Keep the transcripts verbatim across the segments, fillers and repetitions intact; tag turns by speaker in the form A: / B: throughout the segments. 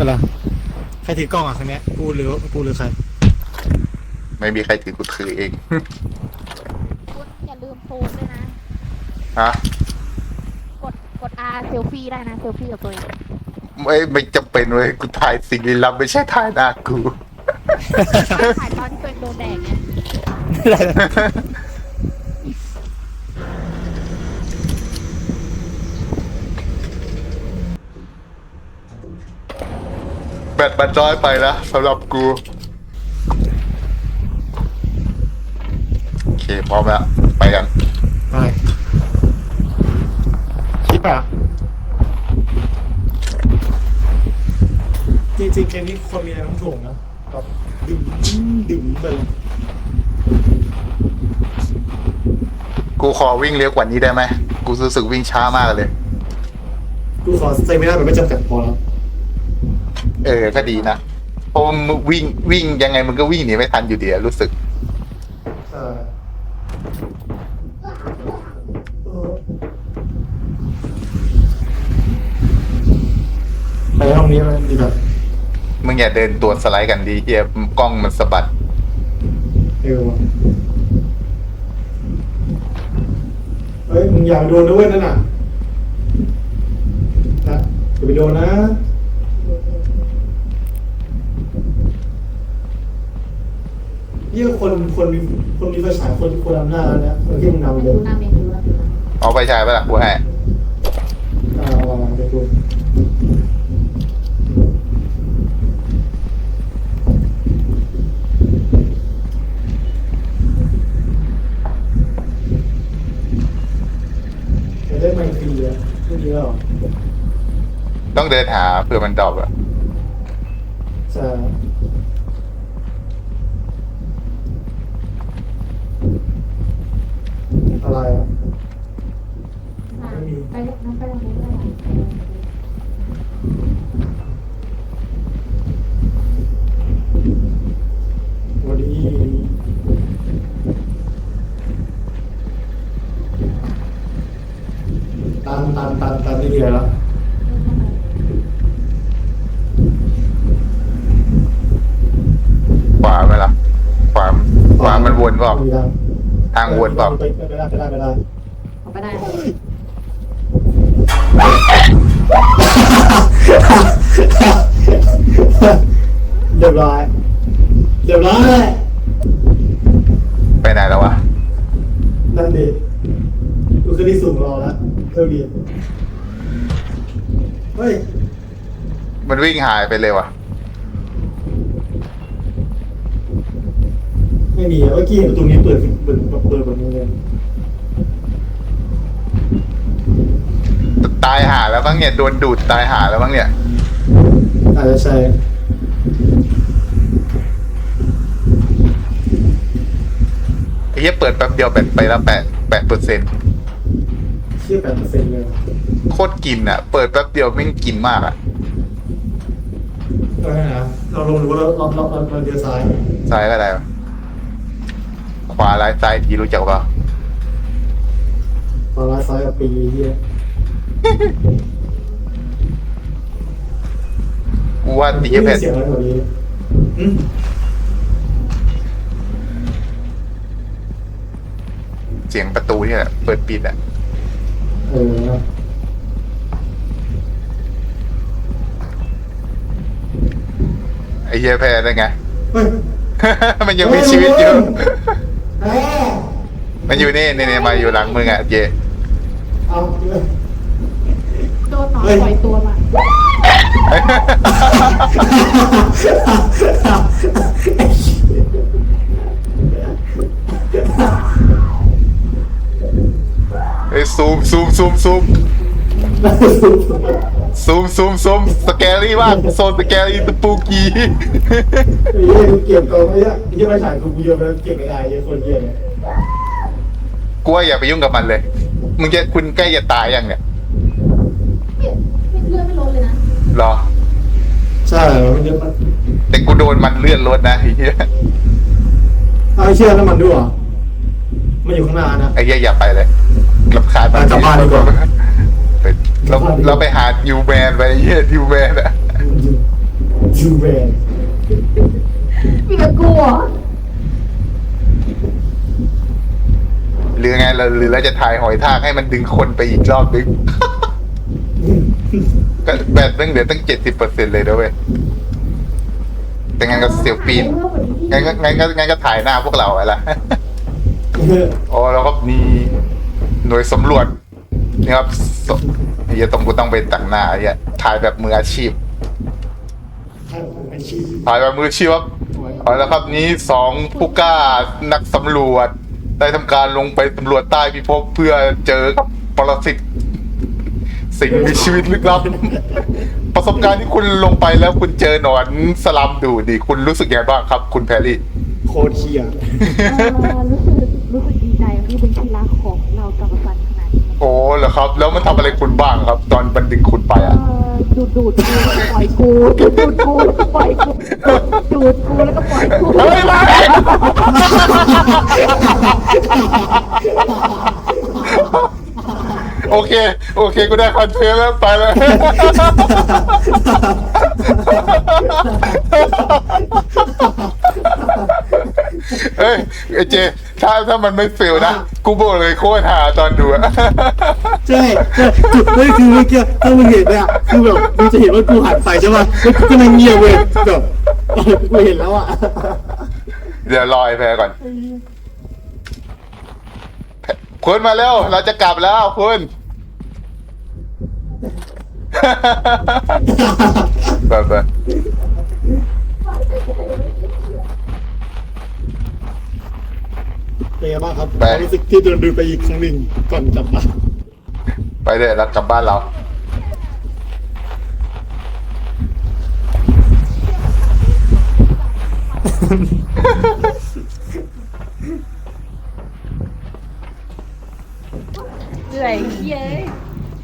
A: อะไรใครถือกล้องอ่ะครั้งนี้กูหรือกูหรือใคร
B: ไม่มีใครถือกูถือเอง
C: คุณอย่าลืมโพสด้วยนะ
B: ฮะ
C: กดกด R เซลฟี่ได้นะเซลฟี่กับตัวเอง
B: ไม่ไม่จำเป็นเว้ยกูถ่ายสิ่งลี้ลับไม่ใช่ถ่ายหน้ากู
C: ถ่ายตอนที่ตัวเองโดนแดดไง
B: แบตมันน้อยไปนะสำหรับกูโอเคพร้อมแล้วไปกัน
A: ไปคิดป่ะจริงๆเกมนี้คนมีอะไรต้องถ่วงนะแบบดึงดึงไปเลย
B: กูขอวิ่งเร็วกว่านี้ได้ไหมกูรู้สึกวิ่งช้ามากเลย
A: กูขอเซไม่ได้แบบไม่จำกัดพอแล้ว
B: เออก็ดีนะเพราะมึงวิ่งวิ่งยังไงมึงก็วิ่งหนีไม่ทันอยู่ดีรู้สึก
A: ใช่ไปห้องนี้มันดีแบบ
B: มึงอย่าเดินตัวสไลด์กันดีเฮียกล้องมันสะบัด
A: เอวเฮ้ยมึงอย่าโดนด้วยนั่นน่ะนะอย่าไปโดนนะนี่คนคนมีคนมีไฟฉายคนคนนำหน้าแล้วเนี่ยคนที่มึงนำเดิน
B: เอาไปฉายไปละกูให้
A: อ่าเอามาไปดูจะได้ไม่ฟรีอ่ะไม่เยอะหรอ
B: ต้องเดินหาเพื่อมันดรอปอะ
A: ใช่อะไรอ่ะ
C: ไปน้ำไปตรงนี้เลย
A: วันนี้ตันตันตันตันที่เดียวแล้ว
B: ขวาไหมล่ะขวาขวามันวนเปล่าทางวนเปล่า
A: ไปไปได้ไปได้ไปได้
C: ออกไปได้
A: เรียบร้อยเรียบร้อย
B: ไปไหนแล้ววะ
A: นั่นดิดูขึ้นที่สูงรอแล้วเท่าดีเฮ้ย
B: มันวิ่งหายไปเลยวะ
A: ไม่มีเมื่อกี้เห็นประตูนี้เปิดเปิดเปิดแบบนี้เลย
B: ตายหาแล้วบ้างเนี่ยโดนดูดตายหาแล้วบ้างเนี่ย
A: อาจจะใช่
B: ไอ้เหี้ยเปิดแป๊บเดียวแบตไปแล้วแปดแปดเปอร์เซ็นต์
A: เชื่อแปดเปอร์เซ็นต์เลย
B: โคตรกินอ่ะเปิดแป๊บเดียวไม่กินมากอ่ะ
A: ก็ได้นะเราลงรู้แล้วเราเราเราเดียวซ้าย
B: ซ้ายก็ได้ขวาร้ายซ้ายทีรู้จักป่ะ
A: ขวาซ้ายกับปีเฮีย
B: กูว่าตีแผ่น
A: เสียงอะไรกว่านี้
B: เสียงประตูเนี่ยเปิดปิดอ่ะ
A: เออ
B: ไอ้เหี้ยแพ้ได้ไงมันยังมีชีวิตอยู่มันอยู่นี่นี่มาอยู่หลังมึงอ่ะเจ
A: เอา
C: โดนหนอนปล่อยตัวมา
B: ไอ้ซูมซูมซูมซูมซูมซูมซูมสแกรี่มากโซนสแกรี่ตะปูกี้
A: ไอ้เหี้ยกูเก็บกองไอ้เหี้ยยี่ไม่ถ่ายกูกูเยอะไปเก็บไอ้ไอ้เหี้ยคนเหี้ยเนี่ย
B: กูว่าอย่าไปยุ่งกับมันเลยมึงจะคุณใกล้จะตายยังเนี่ย
C: เลือดไม่ลดเลยนะ
B: หรอ
A: ใช่มันเยอะมาก
B: แต่กูโดนมันเลื่อนรถนะไอ้เหี้ย
A: ไอ้เชี่ยน้ำมันด้วยมันอยู่ข้างหน้านะ
B: ไอ้เหี้ยอย่าไปเลยรำคาญ
A: มันกลับบ้านดีกว่า
B: เราเราไปหายูแมนไปเยี่ยยูแมนอะ
A: จูแบน
C: มีแต่กูเหรอ
B: หรือไงเราหรือเราจะถ่ายหอยทากให้มันดึงคนไปอีกรอบนึง ก็แบตตั้งเหลือตั้งเจ็ดสิบเปอร์เซ็นต์เลยนะเว้ยแต่งั้นก็เซลฟี่งั้นก็งั้นก็งั้นก็ถ่ายหน้าพวกเราอะไร อ๋อแล้วก็มีหน่วยสำรวจนี่ครับสไอ้เหี้ยต้องกูต้องไปแต่งหน้าไอ้เหี้ยถ่ายแบบมืออาชีพ
A: อาชีพ
B: ถ่ายแบบมืออาชีพครับเอาละครับนี้สองผู้กล้านักสำรวจ ได้ทำการลงไปสำรวจใต้พิภพเพื่อเจอกับปรสิตสิ่งมีชีวิตลึกลับ ประสบการณ์ที่คุณลงไปแล้วคุณเจอหนอนสลัมดูดิคุณรู้สึกยังไงบ้างครับ คุณแพรรี่
A: โคตรเชีย
C: เออรู้สึกรู้สึกดีใจที่เป็นที่รักของเราจักรพันธ์ขนาดนี้
B: โอ้เหรอครับ แล้วมันทำอะไรคุณบ้างครับ ตอนมันดึงคุณไป
C: เอ
B: อ่ะ
C: อดูดดูดกูแล้วก็ปล่อยกูดูดดูดกูแล้วก็ปล่อยกูดูดกูแล้วก็ปล่อยกู
B: เฮ้ยมาโอเค โอเคกูได้คอนเทนต์แล้วไปแล้ว เฮ้ยไอเจ ถ้าถ้ามันไม่เฟลนะ กูบอกเลยโคตรหาตอนดูอะ
A: ใช่ใช่จุดนั่นคือเมื่อกี้ถ้ามึงเห็นเนี่ยคือแบบมึงจะเห็นว่ากูหันไปใช่ป่ะแล้วกูก็นั่งเงียบเว้ยแบบกูเห็นแล้วอ่ะ
B: เดี๋ยวรอไอ้แพรก่อนคุณมาเร็ว เราจะกลับแล้วคุณ ไปไป
A: เป็นไงบ้างครับความรู้สึกที่โดนดูไปอีกครั้งหนึ่งก่อนกลับมา
B: ไปเดี๋ยวเรากลับบ้านเรา
C: เหนื่อยเย้ย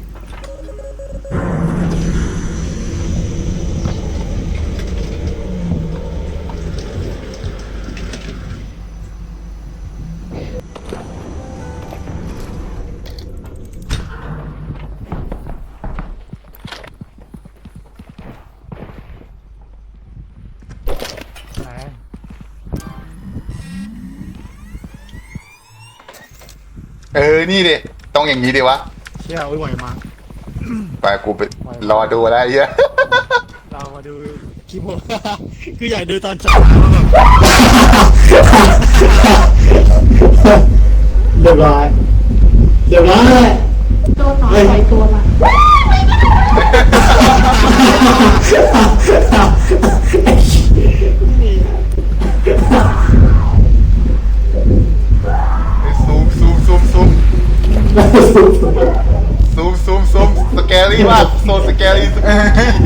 B: เออ นี่ดิ ต้องอย่างนี้ดิวะ
A: เชี่ยโอ้ยไหวมาก
B: ไปกูไปรอดูแล้วไอ้เหี้ย
A: เรามาดูคลิปผม คืออยากดูตอนเช้าแบบเรียบร้อยเรียบร้อย
C: โดนหนอนปล่อยตัวมา
B: ซูมซูมซูมซูมซูมซูมซูมสแกรี่มากโซสแกรี่
C: เออ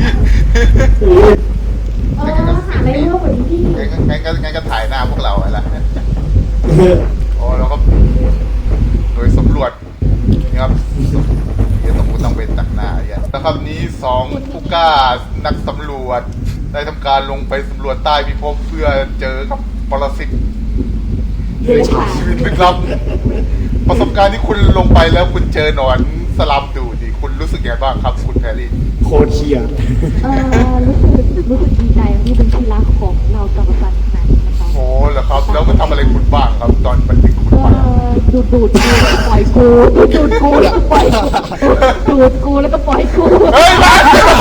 C: หาอะไรเรื่องกว่านี้พี่
B: งั้นก็งั้นก็ถ่ายหน้าพวกเราอะไรอ๋อแล้วก็โดยสำรวจนี่ครับเดี๋ยวต้องกูต้องไปตักหน้าไอ้เหี้ยแล้วครับนี้สองผู้กล้านักสำรวจ ได้ทำการลงไปสำรวจใต้พิภพเพื่อเจอกับปรสิต
C: เดินผ่าน
B: ชีวิตลึกลับ ประสบการณ์ที่คุณลงไปแล้วคุณเจอหนอนสลัมดูดิคุณรู้สึกยังไงบ้างครับ คุณแพรรี่
A: โคตรเชีย
C: เออรู้สึกรู้สึกดีใจที่เป็นที่รักของเราจักรพันธ์ขนาดนี้นะคะ
B: โอ้เหรอครับ แล้วมันทำอะไรคุณบ้างครับ ตอนมันดึงคุณ
C: เอ
B: ไปอะ
C: อดูดดูดกูแล้วก็ปล่อยกูดูดกูแล้วก็ปล่อยกูดูดกูแล้วก็ปล่อยกู
B: เฮ้ยมา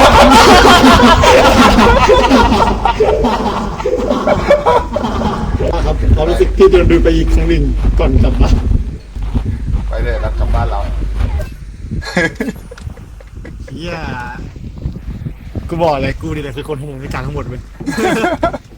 A: ครับความรู้สึกที่โดนดูไปอีกครั้งหนึ่งก่อนกลับมา
B: ไปเลยแล้วกลับบ้านเรา
A: เฮียกูบอกเลยกูนี่แหละคือคนขโมยในการทั้งหมดเว้ย